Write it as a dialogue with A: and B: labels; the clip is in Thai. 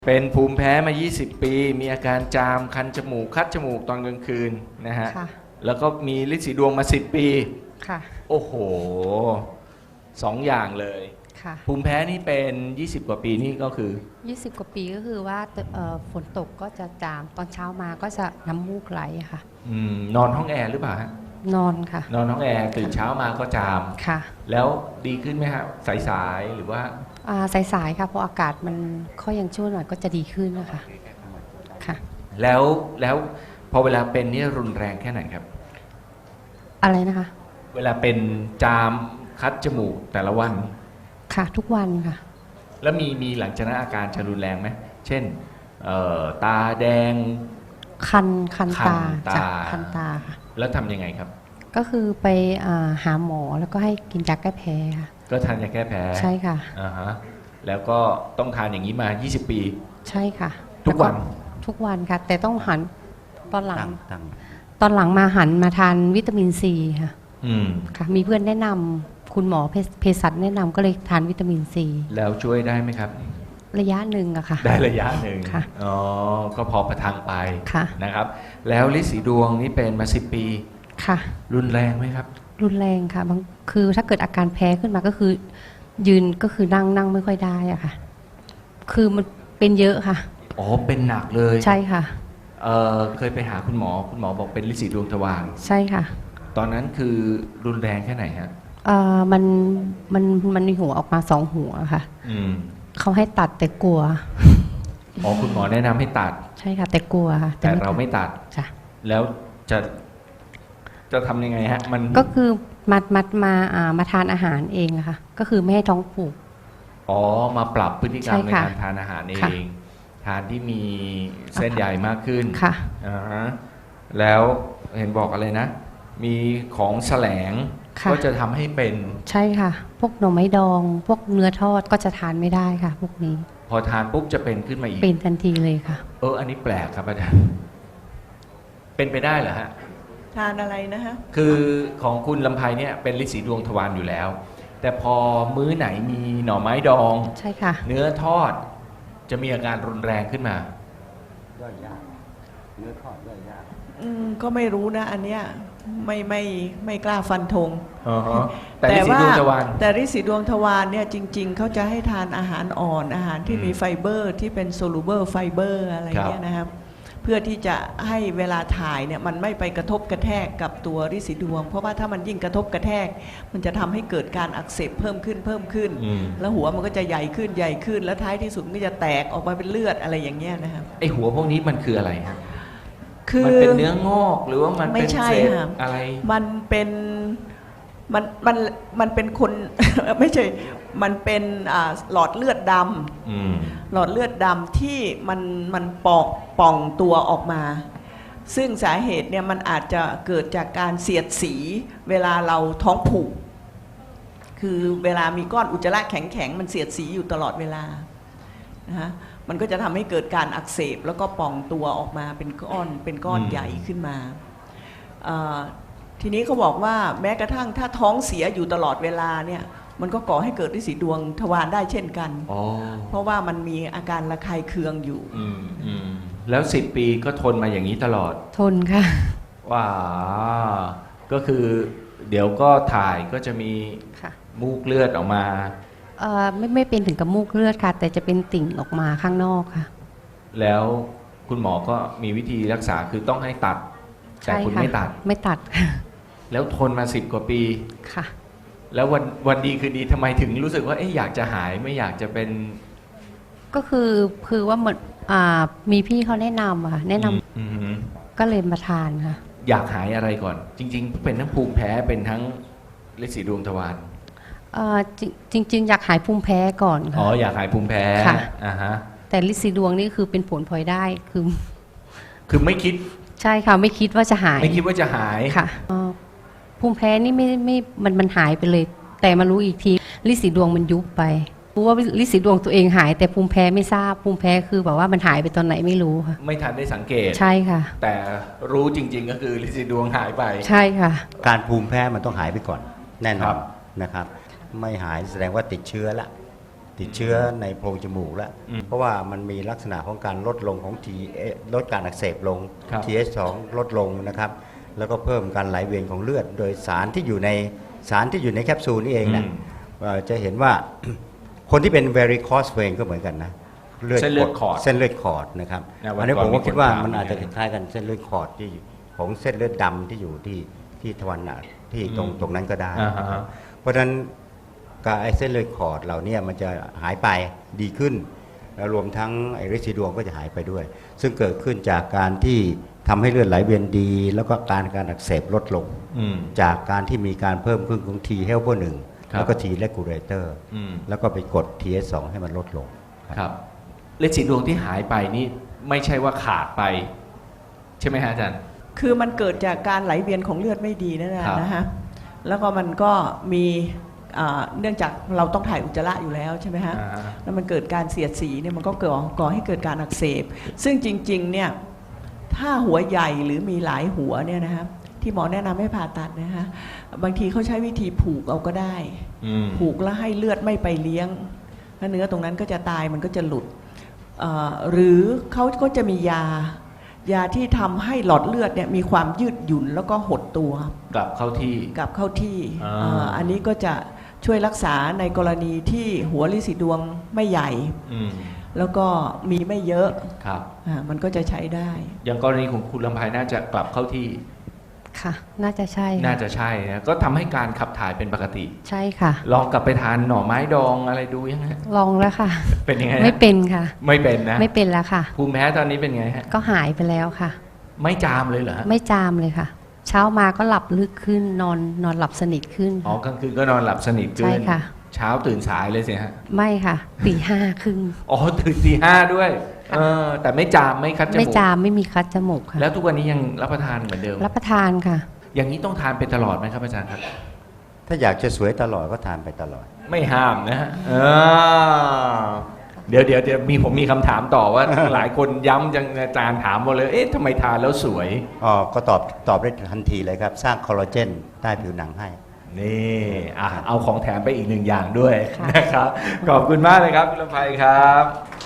A: เป็นภูมิแพ้มา 20 ปี มีอาการจาม คันจมูก คัดจมูกตอนกลางคืนนะฮะ
B: ค่ะ
A: แล้วก็มีฤทธิ์สีดวงมา 10 ปี
B: ค่ะ
A: โอ้โห2 อย่างเลย
B: ค่ะ
A: ภูมิแพ้นี่เป็น 20 กว่าปีนี่ก็คือ
B: 20 กว่าปีก็คือว่าฝนตกก็จะจาม ตอนเช้ามาก็จะน้ำมูกไหลค่ะ
A: นอนห้องแอร์หรือเปล่าฮะ
B: นอนค่ะ
A: นอนห้องแอร์ตื่นเช้ามาก็จาม
B: ค่ะ
A: แล้วดีขึ้นไหมฮะสายๆหรือว่า
B: สายๆค่ะ พออากาศมันค่อยยังชั่วหน่อยก็จะดีขึ้นนะคะ ค่ะ
A: แล้วพอเวลาเป็นนี่รุนแรงแค่ไหนครับ
B: อะไรนะคะ
A: เวลาเป็นจามคัดจมูกแต่ละวัน
B: ค่ะ ทุกวันค่ะ
A: แล้วมีหลังจากนั้นอาการจะรุนแรงไหม เช่นตาแดง
B: คัน
A: คัน
B: ตา
A: ตา
B: จ้ะคันตาค่ะ
A: แล้วทำยังไงครับ
B: ก็คือไปหาหมอแล้วก็ให้กินยาแก้แพ้ค่ะ
A: ก็ทานยาแก้แพ้
B: ใช่ค่ะ
A: อ่าฮะแล้วก็ต้องทานอย่างนี้มา 20 ปี
B: ใช่ค่ะ
A: ทุกวัน
B: แล้ทุกวันค่ะ แต่ต้องหันตอนหลัง
C: ตั้ง
B: ตอนหลังมาหันมาทานวิตามินซีค่ะ
A: อืม
B: ค่ะ มีเพื่อนแนะนำคุณหมอเภสัชแนะนำก็เลยทานวิตามินซี
A: แล้วช่วยได้ไหมครับ
B: ระยะหนึ่งอะค่ะ
A: ได้ระยะหนึ่ง
B: ค่ะ
A: อ๋อ ก็พอประทังไป
B: ค่ะ
A: นะครับ แล้วฤทธิ์สีดวงนี่เป็นมา 10 ปี
B: ค่ะ
A: รุนแรงไหมครับ
B: รุนแรงค่ะคือถ้าเกิดอาการแพ้ขึ้นมาก็คือ ยืนก็คือนั่งไม่ค่อยได้อะค่ะ คือมันเป็นเยอะค่ะ
A: อ๋อ เป็นหนักเลย
B: ใช่ค่ะ
A: เคยไปหาคุณหมอบอกเป็นฤทธิ์สีดวงทวาร
B: ใช่ค่ะ
A: ตอนนั้นคือรุนแรงแค่ไหนฮะ
B: มันมีหัวออกมา2 หัวค่ะ
A: อืม
B: เขาให้ตัดแต่กลัว
A: อ๋อ คุณหมอแนะนำให้ตัด
B: ใช่ค่ะ แต่กลัวค่ะ
A: แต่เราไม่ตัด
B: จ้ะ
A: แล้วจะทำยังไงฮะ มัน
B: ก็คือมาทานอาหารเองอะค่ะ ก็คือไม่ให้ท้องผูก
A: อ๋อ มาปรับพฤติกรรม
B: ใช่
A: ใน
B: ค่ะ
A: การทานอาหารเอ
B: ค่ะ
A: ง ทานที่มีเส้นใยมากขึ้น
B: ค่ะ
A: อ่าฮะแล้วเห็นบอกอะไรนะ มีของแสลง
B: ค่ะ
A: ก็จะทำให้เป็น
B: ใช่ค่ะ พวกหน่อไม้ดอง พวกเนื้อทอดก็จะทานไม่ได้ค่ะ พวกนี้
A: พอทานปุ๊บจะเป็นขึ้นมาอีก
B: เป็นทันทีเลยค่ะ
A: อันนี้แปลกครับอาจารย์ เป็นไปได้เหรอฮะ
D: ทานอะไรนะฮะ
A: คือของคุณลำไพเนี่ยเป็นฤทธิ์สีดวงทวารอยู่แล้ว แต่พอมื้อไหนมีหน่อไม้ดอง
B: ใช่ค่ะ
A: เนื้อทอดจะมีอาการรุนแรงขึ้นมา
C: ย่อยยากเนื้อทอดย่อยยาก
D: ก็ไม่รู้นะ อันเนี้ยไม่กล้าฟันธง
A: แต่ฤทธิ์สีดวงทวาร
D: แต่ฤทธิ์สีดวงทวารเนี่ยจริง ๆ เขาจะให้ทานอาหารอ่อนอาหารที่มีไฟเบอร์ที่เป็นโซลูเบอร์ไฟเบอร์อะไรเนี่ยนะครับ เพื่อที่จะให้เวลาถ่ายเนี่ยมันไม่ไปกระทบกระแทกกับตัวฤทธิ์สีดวง เพราะว่าถ้ามันยิ่งกระทบกระแทก มันจะทำให้เกิดการอักเสบเพิ่มขึ้น
A: อืม
D: แล้วหัวมันก็จะใหญ่ขึ้นแล้วท้ายที่สุดมันก็จะแตกออกมาเป็นเลือดอะไรอย่างเงี้ยนะครับ
A: ไอหัวพวกนี้มันคืออะไรฮะ
D: คื
A: มัน
D: อ
A: เป็นเนื้องอกหรือว่ามัน
D: ไม่
A: เป็น
D: ใช่
A: เศษ
D: ค่ะ
A: อะไร
D: มันเป็นมันเป็นคน ไม่ใช่ มันเป็นหลอดเลือดด
A: อืม
D: ำหลอดเลือดดำที่มันป่องตัวออกมา ซึ่งสาเหตุเนี่ยมันอาจจะเกิดจากการเสียดสีเวลาเราท้องผูก คือเวลามีก้อนอุจจาระแข็งๆมันเสียดสีอยู่ตลอดเวลานะฮะมันก็จะทำให้เกิดการอักเสบแล้วก็ป่องตัวออกมาเป็นก้อนใหญ่ขึ้นมาทีนี้เขาบอกว่าแม้กระทั่งถ้าท้องเสียอยู่ตลอดเวลาเนี่ยมันก็ก่อให้เกิดฤทธิ์สีดวงทวารได้เช่นกัน
A: อ๋อ
D: เพราะว่ามันมีอาการระคายเคืองอยู่
A: อืมแล้ว10 ปีก็ทนมาอย่างนี้ตลอด
B: ทนค่ะ
A: ว้าก็คือเดี๋ยวก็ถ่ายก็จะมี
B: ค่ะ
A: มูกเลือดออกมา
B: ไม่เป็นถึงกับมูกเลือดค่ะ แต่จะเป็นติ่งออกมาข้างนอกค่ะ
A: แล้วคุณหมอก็มีวิธีรักษาคือต้องให้ตัด แต่
B: ใช่
A: คุณ
B: ค่ะ
A: ไม่ตัด
B: ไม่ตัดค่ะ
A: แล้วทนมา10 กว่าปี
B: ค่ะ
A: แล้ววันดีคือดีทำไมถึงรู้สึกว่าอยากจะหายไม่อยากจะเป็น
B: ก็คือว่าเหมือนมีพี่เขาแนะนำอะค่ะแนะนำ
A: อืม
B: ก็เลยมาทานค่ะ
A: อยากหายอะไรก่อน จริง ๆ เป็นทั้งภูมิแพ้เป็นทั้งฤทธิ์สีดวงทวาร
B: จริง ๆ อยากหายภูมิแพ้ก่อน
A: อ๋อ
B: ค่ะ
A: อยากหายภูมิแพ้
B: ค่ะ
A: อ่าฮะ
B: แต่ลิซีดวงนี่คือเป็นผลพลอยได้คือ
A: คือไม่คิด
B: ใช่ค่ะ ไม่คิดว่าจะหาย
A: ไม่คิดว่าจะหาย
B: ค่ะภูมิแพ้นี่ไม่มันหายไปเลย แต่มารู้อีกทีลิสีดวงมันยุบไปรู้ว่าลิสีดวงตัวเองหาย แต่ภูมิแพ้ไม่ทราบภูมิแพ้คือแบบว่ามันหายไปตอนไหนไม่รู้ค่ะ
A: ไม่ทันได้สังเกต
B: ใช่ค่ะ
A: แต่รู้จริง ๆ ก็คือฤทธิ์สีดวงหายไป
B: ใช่ค่ะ
C: การภูมิแพ้มันต้องหายไปก่อน แน่น
A: ครั
C: อน
A: บ
C: นะครับ ไม่หายแสดงว่าติดเชื้อละ ตติดเชื้อในโพรงจมูกแล้ว
A: อืม
C: เพราะว่ามันมีลักษณะของการลดลงของลดการอักเสบลง
A: ครับ
C: TH2 ลดลงนะครับ แล้วก็เพิ่มการไหลเวียนของเลือด โดยสารที่อยู่ในแคปซูลนี่เองนะจะเห็นว่า คนที่เป็น varicose vein ก็เหมือนกันนะ
A: เส้นเลือดขอด
C: เส้นเลือดขอดนะครับ
A: นะวัน
C: อันนี้
A: ก่อน
C: ผมก็คิดว่า
A: มีคนถาม
C: มันอาจจะ
A: เหมือนกัน
C: คล้ายๆกันเส้นเลือดขอดที่ของเส้นเลือดดำที่อยู่ที่ทวารหนักที่ตรงนั้นก็ได้
A: อ่าฮะ
C: เพราะฉะนั้นการไอ้เส้นเลือดขอดเหล่านี้มันจะหายไปดีขึ้น แล้วรวมทั้งไอ้ฤทธิ์สีดวงก็จะหายไปด้วย ซึ่งเกิดขึ้นจากการที่ทำให้เลือดไหลเวียนดี แล้วก็การอักเสบลดลง
A: อืม
C: จากการที่มีการเพิ่มขึ้นของ T helper 1
A: ครับ
C: แล้วก็ T regulator
A: อืม
C: แล้วก็ไปกด TH2 ให้มันลดลง
A: ครับฤทธิ์สีดวงที่หายไปนี่ไม่ใช่ว่าขาดไป ใช่ไหมฮะอาจารย์
D: คือมันเกิดจากการไหลเวียนของเลือดไม่ดีนั่นแหละ
A: ครับ
D: นะฮะแล้วก็มันก็มีเนื่องจากเราต้องถ่ายอุจจาระอยู่แล้วใช่ไหมฮะ
A: อ่าฮะ
D: แล้วมันเกิดการเสียดสีเนี่ยมันก็ก่อให้เกิดการอักเสบ ซึ่งจริงๆเนี่ยถ้าหัวใหญ่หรือมีหลายหัวเนี่ยนะฮะที่หมอแนะนำให้ผ่าตัดนะฮะบางทีเขาใช้วิธีผูกเอาก็ได้
A: อืม
D: ผูกแล้วให้เลือดไม่ไปเลี้ยงแล้วเนื้อตรงนั้นก็จะตายมันก็จะหลุดหรือเขาก็จะมียาที่ทำให้หลอดเลือดเนี่ยมีความยืดหยุ่นแล้วก็หดตัว
A: กลับเข้าที่
D: กลับเข้าที่
A: อ่า
D: อันนี้ก็จะช่วยรักษาในกรณีที่หัวฤทธิ์สีดวงไม่ใหญ่
A: อืม
D: แล้วก็มีไม่เยอะ
A: ครับ
D: มันก็จะใช้ได้
A: อย่างกรณีของคุณลำไพน่าจะกลับเข้าที่
B: ค่ะ น่าจะใช่ค่ะ
A: น่าจะใช่นะก็ทำให้การขับถ่ายเป็นปกติ
B: ใช่ค่ะ
A: ลองกลับไปทานหน่อไม้ดองอะไรดูยังไง
B: ลองแล้วค่ะ
A: เป็นยังไงฮะ
B: ไม่เป็นค่ะ
A: ไม่เป็นนะ
B: ไม่เป็นแล้วค่ะ
A: ภูมิแพ้ตอนนี้เป็นไงฮะ
B: ก็หายไปแล้วค่ะ
A: ไม่จามเลยเหรอฮะ
B: ไม่จามเลยค่ะ เช้ามาก็หลับลึกขึ้นนอนหลับสนิทขึ้น
A: อ๋อกลางคืนก็นอนหลับสนิทขึ้น
B: ใช่ค่ะ
A: เช้าตื่นสายเลยสิฮะ
B: ไม่ค่ะตี 5 ครึ่ง
A: อ๋อตื่นตี 5ด้วย
B: ค่ะ
A: แต่ไม่จามไม่คัดจมูก
B: ไม่จามไม่มีคัดจมูกค่ะ
A: แล้วทุกวันนี้ยังรับประทานเหมือนเดิม
B: รับประทานค่ะ
A: อย่างนี้ต้องทานไปตลอดไหมครับอาจารย์ครับ
C: ถ้าอยากจะสวยตลอดก็ทานไปตลอด
A: ไม่ห้ามนะฮะเดี๋ยวผมมีคำถามต่อว่า หลายคนย้ำจังอาจารย์ถามมาเลย เอ๊ะทำไมทานแล้วสวย
C: อ๋อ ก็ตอบได้ทันทีเลยครับ สร้างคอลลาเจนใต้ผิวหนังให้
A: นี่เอาของแถมไปอีกหนึ่งอย่างด้วย
B: ค่ะ
A: นะครับ ขอบคุณมากเลยครับคุณลำไพครับ